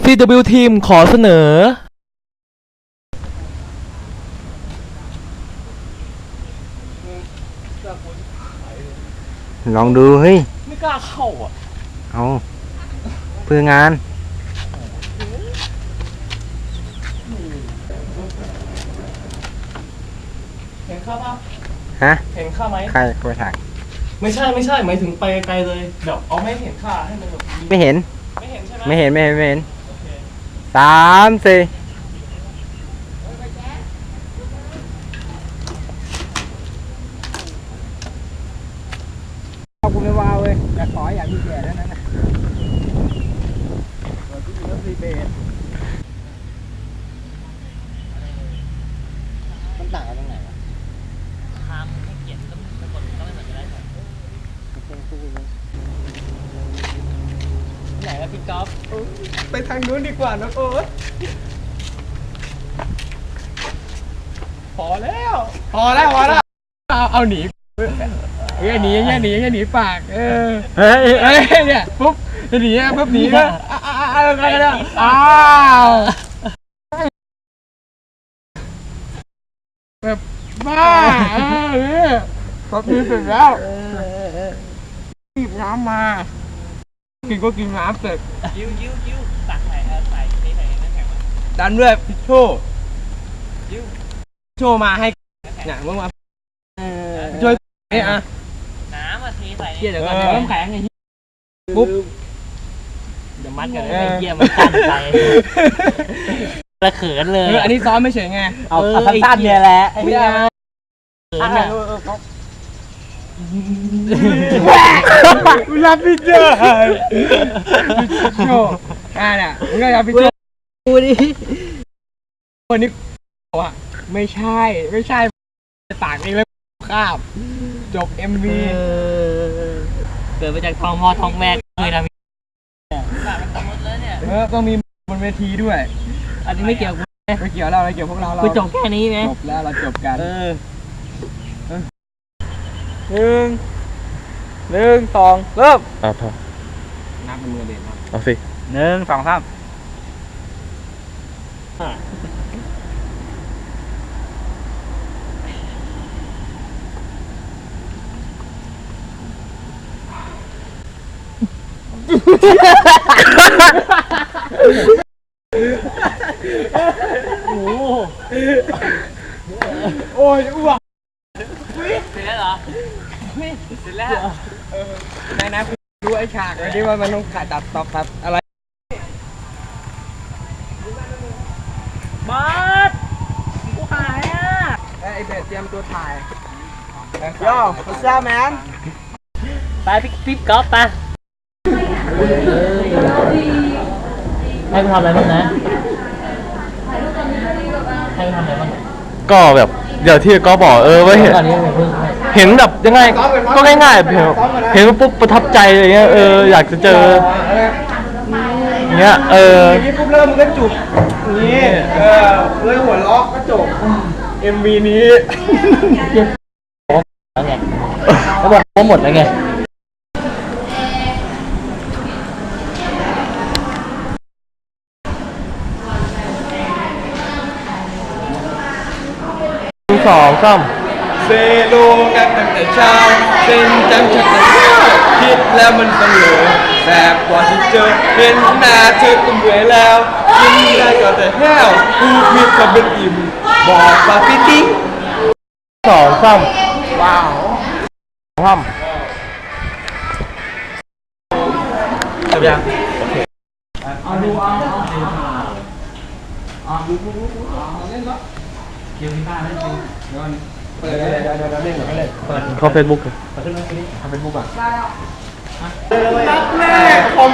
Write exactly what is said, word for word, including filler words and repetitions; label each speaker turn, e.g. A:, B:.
A: ซี ดับเบิลยู ทีมขอเสนอ
B: ลองดูเฮ้ย
A: ไม่กล้าเข้าอ่ะ
B: เอาเพื่องาน
A: เห็นข้าป่ะ
B: ฮะ
A: เห็นข้าไหม
B: ใครไปถ่าย
A: ไม่ใช่ไม่ใช่หมายถึงไปไกลเลยแบบเอาไม่เห็นข้าให้มันแบบ
B: ไม่เห็น
A: ไม่เห็นใช่ไหม
B: ไม่เห็นไม่เห็นไม่เห็นสามสี่กูไม่ว้าวเว้ยอยากขออยากมีแก่แล้วนั่นนะเราที่มีรถรีเบทมันต่างกันตรงไหนวะ
C: ทางให้เกียรติก็ไม่กดก็ไม่เหมือนกันได้ไหมไหนแล้วพี่ก๊อฟ
A: ไปทางนู้นดีกว่านะโอ๊ตพอแล้วพอแล้วพอแล้วเอาเอาหนีเอ้ยหนีอย่างเงี้ยหนีอย่างเงี้ยหนีปากเออเฮ้ยเฮ้ยเนี่ยปุ๊บจะหนีอ่ะปุ๊บหนีก็อ้าวอะไรกันอ้าวแบบบ้าเออตอนนี้เสร็จแล้วหยิบน้ำมากินก็กินน้ำเสร็จ
C: ยิ้วยิ้วยิ้วตักใส่เออใส่นี่ใส่น้ำแข็งมา
A: ดันด้วยพิชโชยิ้วโชมาให้เนี่ยมึงมาช่วยเนี่ยอ่ะ
C: น้ำมาทีใส่
A: เกี่ยเดี๋ยวก่อนเดี๋ยวน้ำแข็งไงปุ๊บ
C: เดี๋ยวมัดกันเลยเกี่ยมันตั้นไปละเขินเลย
A: อันนี้ซ้อมไม่เฉยไง
C: เอาตั้นเนี่ยแหละ
A: ไม่ได้
C: เขินอ่ะ
A: รับพี่เจ้าโชอ่าเนี่ยมึงก็รับพี่โช
C: กูดิ
A: วันนี้ว่าไม่ใช่ไม่ใช่ปากเองแล้วข้ามจบ เอ็ม วี
C: เกิดมาจากท้องพ่อท้องแม่เคยทำมันหมดเลยเนี่ย
A: เออต้องมีบนเวทีด้วย
C: อันนี้ไม่เกี่ยวกู
A: ไม่เกี่ยวเราไม่เกี่ยวพวกเราเรา
C: จบแค่นี้ไหม
A: จบแล้วเราจบกัน
B: เออ
A: หนึ่งหนึ่งสองเริ่มอ่ะพอนับเป็นมือเด่นนะ
B: เอาสิหนึ่งสองสาม
A: โอ้โอ้ยอ้วก
C: เสร็จแล้วเหรอเสร็จแล้ว
A: นายนะดูไอ้ฉากไอ้ที่ว่ามันต้องขาดตัดตอกตัดอะไร
C: บอสกูหายอ่ะ
A: ไอ้เบสเตรียมตัวถ่ายโย่พุชาแมน
C: ไปพี่พี่ก๊อฟไปให้กูทำอะไรบ้างนะให้กูทำอะไรบ้าง
B: ก็แบบเดี๋ยวที่ก็บอกเออว่าเห็นเห็นแบบยังไงก็ง่ายๆเห็นเห็นปุ๊บประทับใจอะไรเงี้ยเอออยากจะเจอเงี้ยเออ
A: นี่ปุ๊บเริ่มมันก็จุกนี่เออเลยหัวล็อกก็จบ เอ็ม วี นี้
C: แล้วไงเขาบอกว่าหมดแล้วไง
B: สองสาม
A: เซโลกันตั้งแต่เช้าเส้นจังชักแต่คิดแล้วมันเสมอแสบกว่าที่เจอเห็นหน้าเธอก็เหนื่อยแล้วกินได้ก็แต่แห้วพูดผิดก็เป็นอิ่มบอกว่าพี่ติ๊ก
B: สองสาม
A: ว้าว
B: สาม
A: จบยังโอเคเอาดูเอาเอาดูดูดูเอาเล่นละเกี่ยวกับบ้านเล่นจริงเดี๋ยวเปิดเลยเดี๋ยวเดี๋ยวเล่นก่อนเล่นเปิด
B: เข้าเฟซบุ๊ก
A: เปิดขึ้นมาทีนี้ทำเฟซบุ๊กอ่ะนัดแรกคอม